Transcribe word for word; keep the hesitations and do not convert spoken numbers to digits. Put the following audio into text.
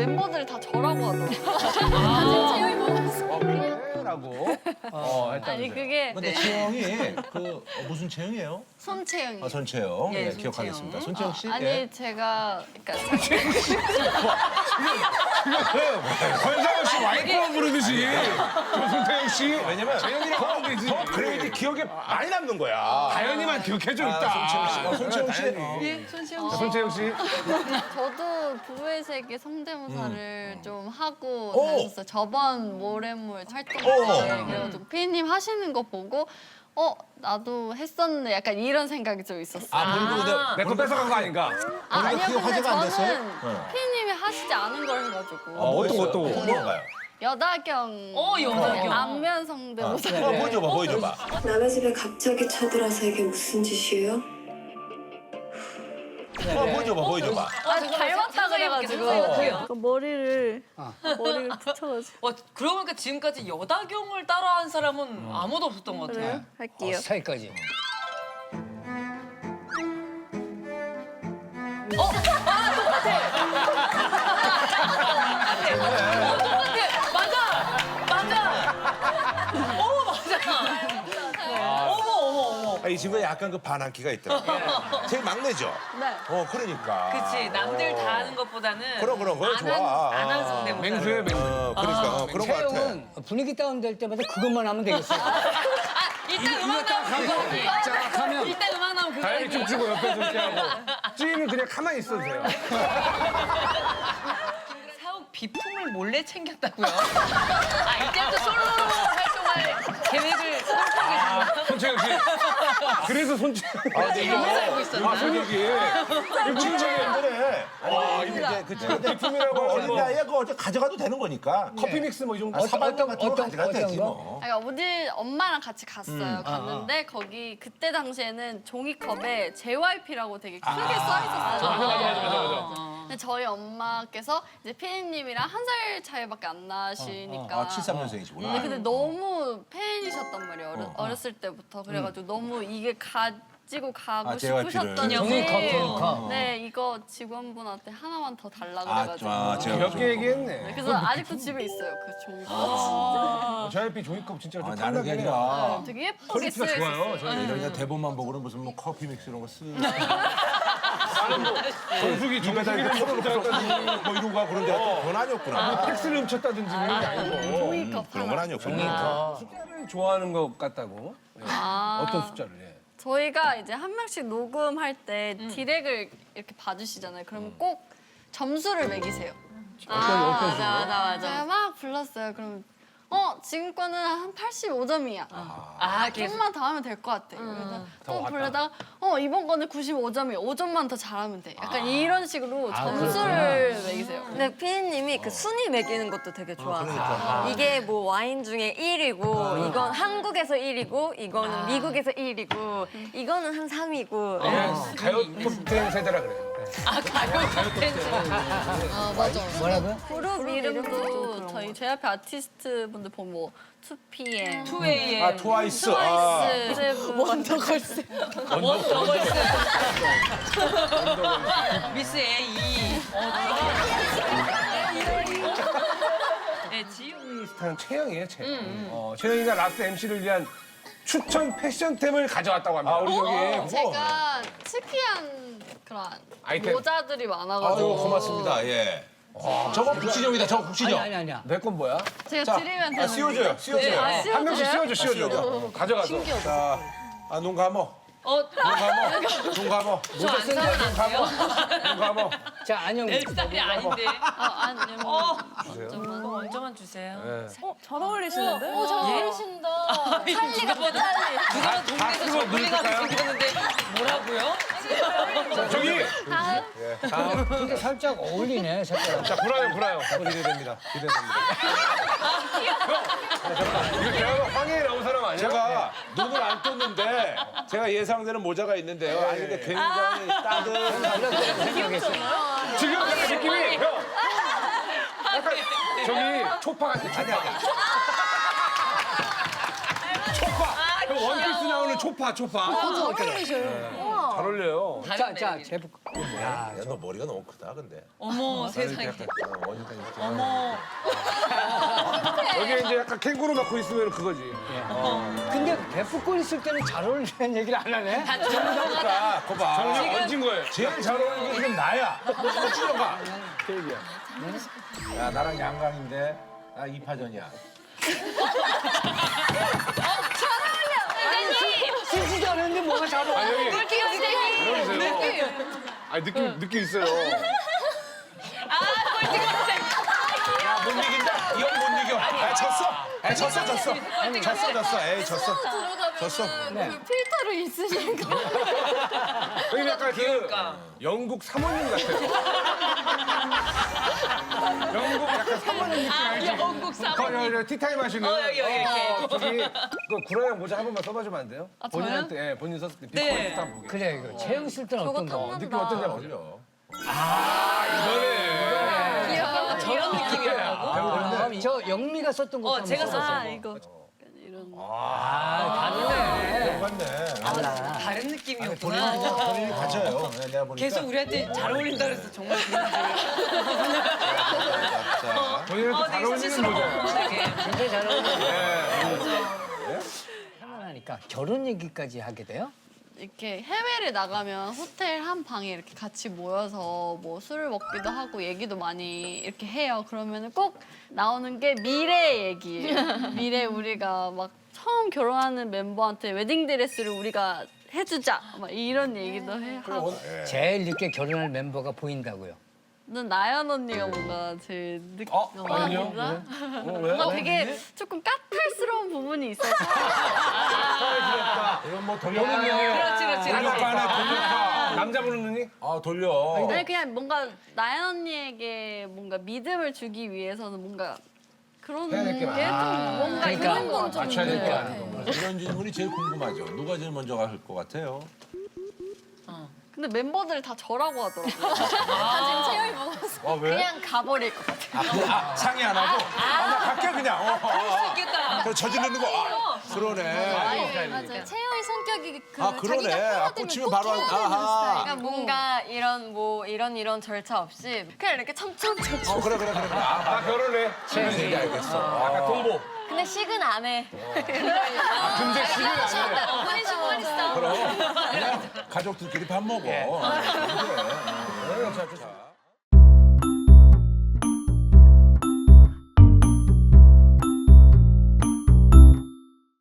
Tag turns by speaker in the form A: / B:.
A: 멤버들이 다 저라고 하더라고요. 사진 채영이 보면서.
B: 어, 그래? 라고 어, 했다면서요.
A: 아니 그게
C: 근데 채영이 그 어, 무슨 채영이에요?
A: 손채영이.
C: 아, 손채영.
D: 예,
C: 네,
D: 손채영.
C: 기억하겠습니다. 손채영 씨.
A: 아니
C: 예.
A: 제가 그러니까
B: 권상우 씨 와이프 부르듯이 조승태영 씨
C: 왜냐면
B: 재영이라고 하면 되지.
C: 더 그래야지 기억에 많이 남는 거야.
B: 다현이만 기억해줘
C: 아,
B: 있다.
C: 손채영 씨. 어, 손채영 씨. 어.
D: 예, 손시영 씨.
B: 손채영 씨.
A: 저도 부부의 세계 성대모사를 좀 하고
C: 오.
A: 다녔었어요. 저번 모래물 활동
C: 오.
A: 때 그래가지고 피디님 하시는 거 보고 어 나도 했었네 약간 이런 생각이 좀 있었어요.
C: 아, 본인도 근데
B: 내 거 뺏어간 거 아닌가?
A: 아,
C: 본인도
A: 아니요
C: 그게
A: 근데
C: 화제가 안 됐어요?
A: 저는
C: 네.
A: 피디님이 하시지 않은 걸 해가지고
B: 어, 어떤 거, 어떤 거?
C: 어떤 건가요?
A: 여다경
D: 어, 여다경.
A: 안면 성대모사.
C: 어, 보여줘봐, 보여줘봐.
E: 남의 집에 갑자기 쳐들어서 이게 무슨 짓이에요?
C: 어, 보여줘봐, 보여줘봐.
A: 아, 닮았다 그래가지고
D: 어떡해요?
A: 그 머리를 머리를 붙여가지고
D: 와, 그러고 보니까 지금까지 여다경을 따라한 사람은 아무도 없었던 것 같아요.
A: 그래요? 할게요.
F: 사이까지.
D: 어, 똑같아. 맞아. 맞아. 어머, 맞아. 어머, 어머, 어머.
C: 아, 이 친구에 약간 그 반항기가 있더라고요. 제일 막내죠?
A: 네.
C: 어, 그러니까.
D: 그치, 남들 다 하는 것보다는
C: 그럼, 그럼, 그거
D: 안
C: 좋아.
D: 한, 안한
C: 아.
D: 성대모사.
B: 맹수예요, 맹수.
C: 어, 그러니까. 어, 그런 거 같아.
F: 채영은 분위기 다운될 때마다 그것만 하면 되겠어요.
D: 아, 이따 음악 나오면 그거 얘기.
F: 짝 하면
D: 이따 음악 나오면 그거
B: 다현이
D: 얘기.
B: 좀 치고 옆에 좀 피하고. 찌는 그냥 가만히 있어도 돼요.
D: 사옥 비품을 몰래 챙겼다고요? 아, 이때부터 솔로로 활동할 계획을 세우고 계시는
B: 손채영 씨. 그래서 손채영.
C: 아, 근데 이거.
D: 잘못 알고 있었나?
B: 아, 손익이.
C: 이거 진짜 힘드네. 아, 이게 이제 그 근데
B: 비품이라고
C: 어린
B: 뭐.
C: 나이에 그거 어째 가져가도 되는 거니까.
B: 커피 믹스 뭐 이 정도.
C: 아, 사발면 같은 거
F: 어떤-
C: 가져가도
F: 어떤
C: 되지
F: 거?
C: 뭐.
A: 아니, 어디 엄마랑 같이 갔어요. 갔는데 거기 그때 당시에는 종이컵에 제이와이피라고 되게 크게 써 있었어요.
B: 맞아, 맞아, 맞아, 맞아.
A: 근데 저희 엄마께서 이제 피디님이랑 한 살 차이밖에 안 나시니까.
C: 아, 칠십삼 년생이시구나.
A: 네, 근데 너무 팬이셨단 말이에요. 어렸, 어렸을 때부터. 그래가지고 너무 이게 가지고 가고
C: 아, 제이와이피를.
A: 싶으셨던지.
F: 종이컵, 종이컵.
A: 네, 이거 직원분한테 하나만 더 달라
C: 아,
A: 그래가지고.
C: 아, 제가
B: 몇 개 얘기했네.
A: 그래서 아직도 집에 있어요, 그 종이컵.
B: 어, 저희피 종이컵 진짜 좀
C: 아, 나는 그게
B: 탐나긴 해요.
C: 아니라
A: 되게 예쁘게
B: 퀄리티가
A: 쓰여
B: 좋아요.
A: 있었어요.
B: 저희
C: 이런 그냥 대본만 보고는 무슨 뭐 커피 믹스 이런 거 쓰.
B: 정수기
C: 집에다 이렇게
B: 정수기를
C: 털어놓고 뭐 이러고 가고 그런데 그건 아니었구나.
B: 팩스를 훔쳤다든지 그런 게 아니고.
A: 종이컵
C: 그런
A: 하나.
C: 건 아니었구나.
B: 숫자를 좋아하는 것 같다고. 예.
A: 아.
B: 어떤 숫자를 해?
A: 저희가 이제 한 명씩 녹음할 때 디렉을 이렇게 봐주시잖아요. 그러면 꼭 점수를 매기세요.
D: 아, 맞아, 맞아,
A: 제가 막 불렀어요. 그럼 어 지금 거는 한 팔십오 점이야.
D: 아, 계속.
A: 조금만 더 하면 될 것 같아. 그래서 또 부르다가 어 이번 거는 구십오 점이야. 오 점만 더 잘하면 돼. 약간 이런 식으로 점수를 매기세요.
G: 근데 피디님이 그 순위 매기는 것도 되게 좋아하세요.
C: 그러니까.
G: 이게 뭐 와인 중에 일이고 이건 한국에서 일이고 이거는 미국에서 일이고 이거는 한 삼이고
B: 가요 톱텐 세대라 그래요.
D: 아, 가요 콘텐츠.
A: 아 맞아.
F: 뭐라고요?
A: 그룹 이름도 저희 제 앞에 아티스트 분들 보면 뭐 투피엠,
D: 투 에이엠.
C: 아, 트와이스. 아.
A: 트와이스, 원더걸스.
D: 원더걸스. 미스 에이. 네, 지우.
B: 스타는 채영이에요, 채영. 어, 채영이가 라스트 엠씨를 위한 추천 패션템을 가져왔다고 합니다.
C: 아, 우리 저기.
A: 제가 특이한 그런
B: 아이템.
A: 모자들이
C: 아유,
A: 많아가지고
C: 고맙습니다. 예. 저거 국시정이다, 저거
F: 아니
C: 국시정.
F: 아니 아니야.
B: 내 건 뭐야?
A: 제가
C: 자,
A: 드리면 되는
C: 아, 씌워줘요, 씌워줘요.
A: 네, 아,
B: 한 명씩
A: 씌워줘요?
B: 씌워줘, 씌워줘.
C: 씌워줘.
B: 가져가서.
C: 자, 아, 눈 감어.
D: 어,
C: 눈 감어. 눈 감어.
D: 저안 사면 안 돼요?
B: 눈 감어.
F: 자 안녕.
D: 내 스타일이 아닌데.
A: 아, 아니,
D: 어.
A: 잠깐만.
D: 먼저만 주세요.
B: 네.
A: 잘 어울리시는데? 오, 잘
D: 예?
A: 어울리신다.
D: 누가 봐도 누가 동네에서
B: 쓰고
D: 저글링하고
B: 누를까요?
D: 생겼는데 뭐라고요?
B: 저기!
A: 다음.
F: 근데 살짝 어울리네 색깔.
B: 자, 불어요, 불어요. 기대됩니다. 기대됩니다. 형! 이거 대화가 황해에 나온 사람 아니야?
C: 제가 눈을 안 떴는데 제가 예상되는 모자가 있는데요. 아니 근데 굉장히 따뜻한
B: 지금 약간 느낌이 형! 약간 저기 초파 같은 초파.
C: 아니 아니.
B: 초파! 형 원피스 나오는 초파 초파.
A: 맞아, 어울리셔요.
B: 잘 어울려요.
F: 자,
D: 다른
F: 자,
D: 매력이.
F: 제부.
C: 야, 너 머리가 너무 크다 근데.
D: 어머 세상에.
C: 어, 어디까지 이렇게.
D: 어머.
B: 여기 이제 약간 캥거루 갖고 있으면 그거지.
F: 근데 베프꼴 있을 때는 잘 어울리는 얘기를 안 하네.
C: 그러니까 거봐.
B: 정리 얹은 거예요. 제일 잘 어울리는 게 지금 나야. 줄여가. 그 얘기야.
C: 야 나랑 양강인데 나 이파전이야.
F: 쓰지도 않았는데 뭐가 잘 어울려.
B: 아 형이
D: 꿀팁 선생님.
B: 그러세요. 아 느낌 느낌 있어요.
D: 아 꿀팁 선생님.
C: 못 이긴다. 이 형 못 이겨. 아 졌어. 아 졌어 졌어. 졌어 졌어. 에이 졌어.
A: 들어가면
C: 졌어.
A: 그 필터를 있으시는 거.
B: 형님 약간 그
D: 그러니까.
B: 영국 사모님 같아요. 영국 약간 사모님 느낌 알지?
D: 영국 사모님.
B: 거, 여, 여, 티타임 하시는.
D: 어, 여기, 여기, 이렇게.
B: 어, 저기 그 구라형 모자 한 번만 써봐주면 안 돼요?
A: 아, 저요?
B: 본인한테 예, 본인 썼을 때
D: 네.
B: 비포 딱 보게.
F: 그래, 이거 채영 쓸 때는
G: 저거
F: 어떤가?
G: 탐난다.
B: 느낌 어떤지 한번
C: 어울려.
B: 이거네.
A: 귀여워.
D: 저런 느낌이었다고?
F: 아, 저 영미가 썼던 것도
D: 어,
F: 한번
D: 제가
F: 써봐.
A: 아, 이거. 이런.
F: 아, 다르네.
C: 맞네.
F: 달라.
D: 다른 느낌이었구나.
C: 본인이 가져요. 네, 내가 보니까.
D: 계속 우리한테 잘 어울린다 그래서 정말 그런 줄.
C: 자,
B: 본인한테
D: 어,
B: 잘
D: 되게
B: 어울리는
D: 수치스러워.
B: 모자.
D: 되게.
F: 굉장히 잘 어울려.
B: 예.
F: 하니까 결혼 얘기까지 하게 돼요?
A: 이렇게 해외를 나가면 호텔 한 방에 이렇게 같이 모여서 뭐 술을 먹기도 하고 얘기도 많이 이렇게 해요. 그러면 꼭 나오는 게 미래 얘기예요. 미래 우리가 막 처음 결혼하는 멤버한테 웨딩드레스를 우리가 해주자. 막 이런 얘기도 해 하고.
F: 제일 늦게 결혼할 멤버가 보인다고요.
A: 난 나연 언니가 뭔가 제일 늦.
B: 어? 나연이요?
A: 뭔가
B: 어, 왜?
A: 뭔가 되게 조금 까탈스러운 부분이 있어서.
C: 이건 뭐
B: 여기
C: 돌려.
B: 있네요.
D: 그렇지 그렇지.
B: 돌려파 하나 돌려파. 남자 부르는 눈이?
C: 아 돌려.
A: 아니 그냥 뭔가 나연 언니에게 뭔가 믿음을 주기 위해서는 뭔가 그런
B: 해야
A: 게
B: 될게
A: 좀
B: 많아.
A: 뭔가
F: 그러니까
A: 있는 건 좀
B: 맞춰야
A: 있는
B: 될게
A: 것
B: 많은
A: 같아요.
C: 이런 질문이 제일 궁금하죠. 누가 제일 먼저 갈 것 같아요?
A: 근데 멤버들이 다 저라고 하더라고요. 다 지금 체형이 먹어서
C: 아 왜?
A: 그냥 가버릴 것 같아요.
C: 아, 그, 아 상의 안 하고? 아, 나 갈게 그냥. 어, 어, 어.
D: 있겠다.
C: 그럼 저지르는 거. 아, 그러네.
A: 맞아요. 채영이 성격이 그
C: 아 그러네.
A: 자기가
C: 아,
A: 해야 되면
C: 꽂히면
A: 꼭
C: 바로
A: 해야
C: 한-
A: 되는
C: 아하.
A: 스타일.
G: 그러니까 뭔가 이런 뭐 이런 이런 절차 없이 그냥 이렇게 참참참참.
C: 어 그래 그래 그래. 그래. 아,
B: 아 결혼해.
C: 지금 얘기 알겠어.
B: 약간 동보.
G: 근데 식은 안 해.
B: 근데 시간 안 해.
G: 어머니 신발 있어.
C: 그럼 그냥 가족들끼리 밥 먹어. 아, 그래. 그래. 자, 자.